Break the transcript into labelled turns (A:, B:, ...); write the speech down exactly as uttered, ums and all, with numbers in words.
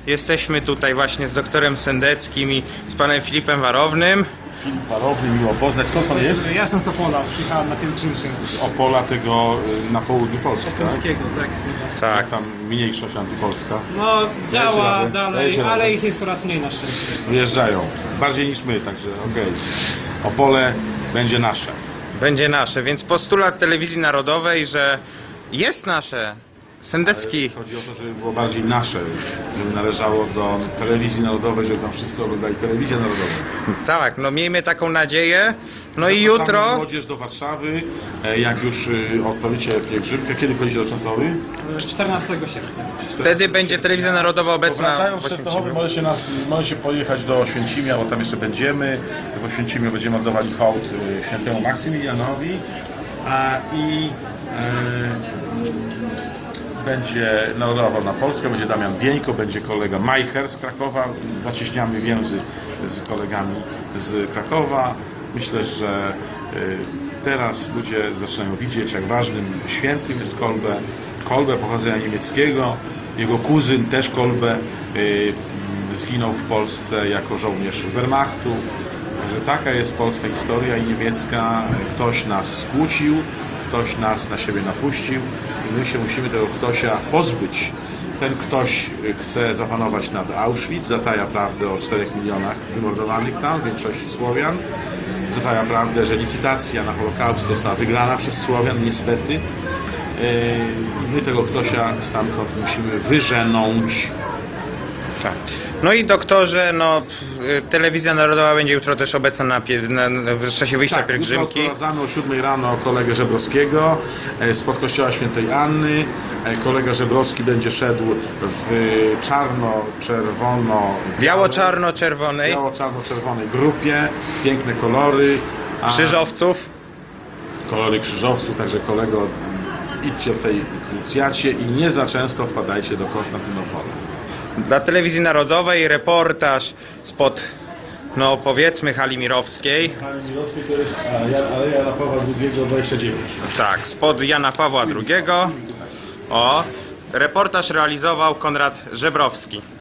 A: Jesteśmy tutaj właśnie z doktorem Sendeckim i z panem Filipem Warownym.
B: Filip Warowny, miło poznać. Skąd pan jest?
C: Ja jestem z Opola, przyjechałem na pielgrzymkę.
B: Z Opola, tego y, na południu Polski, tak?
C: Polskiego, tak?
A: Tak.
B: Jak tam mniejszość antypolska.
C: No działa
B: radę,
C: dalej,
B: dajecie
C: ale
B: radę.
C: ich jest coraz mniej na szczęście.
B: Wyjeżdżają. Bardziej niż my, także okej. Opole będzie nasze.
A: Będzie nasze, więc postulat telewizji narodowej, że jest nasze. Sendecki.
B: Ale chodzi o to, żeby było bardziej nasze, żeby należało do telewizji narodowej, żeby tam wszyscy oglądali telewizję narodową.
A: Tak, no miejmy taką nadzieję. No i
B: Zapraszamy
A: jutro,
B: młodzież do Warszawy, e, jak już y, odprawicie pielgrzymkę. Kiedy chodzicie do Częstochowy?
C: czternastego sierpnia.
A: wtedy będzie telewizja narodowa obecna
B: Wracając
A: w
B: z Częstochowy
A: Oświęcimiu.
B: możecie, nas, możecie pojechać do Oświęcimia, bo tam jeszcze będziemy. W Oświęcimiu będziemy oddawali hołd y, świętemu Maksymilianowi. A, I e, będzie narodował na Polskę, będzie Damian Bieńko, będzie kolega Majcher z Krakowa. Zacieśniamy więzy z kolegami z Krakowa. Myślę, że y, teraz ludzie zaczynają widzieć, jak ważnym świętym jest Kolbe. Kolbe pochodzenia niemieckiego. Jego kuzyn, też Kolbe, y, zginął w Polsce jako żołnierz Wehrmachtu. Także taka jest polska historia i niemiecka. Ktoś nas skłócił, ktoś nas na siebie napuścił i my się musimy tego ktośa pozbyć. Ten ktoś chce zapanować nad Auschwitz, zataja prawdę o czterech milionach wymordowanych tam, w większości Słowian. Zataja prawdę, że licytacja na Holokaust została wygrana przez Słowian, niestety. I my tego ktośa stamtąd musimy wyżenąć.
A: Tak. No i doktorze, no p- telewizja narodowa będzie jutro też obecna na, pie- na, na w czasie wyjścia
B: Tak,
A: pielgrzymki.
B: jutro odprowadzamy o siódmej rano kolegę Żebrowskiego e, spod kościoła świętej Anny. E, Kolega Żebrowski będzie szedł w czarno-czerwono
A: Biało-czarno-czerwonej,
B: biało-czarno-czerwonej grupie. Piękne kolory. A
A: krzyżowców.
B: Kolory krzyżowców, także kolego, idźcie w tej krucjacie i nie za często wpadajcie do Konstantynopola.
A: Dla telewizji narodowej reportaż spod, no powiedzmy, hali Mirowskiej.
B: Ale Mirowski to jest Aleja Jana Pawła drugiego dwadzieścia dziewięć.
A: Tak, spod Jana Pawła drugiego. O, reportaż realizował Konrad Żebrowski.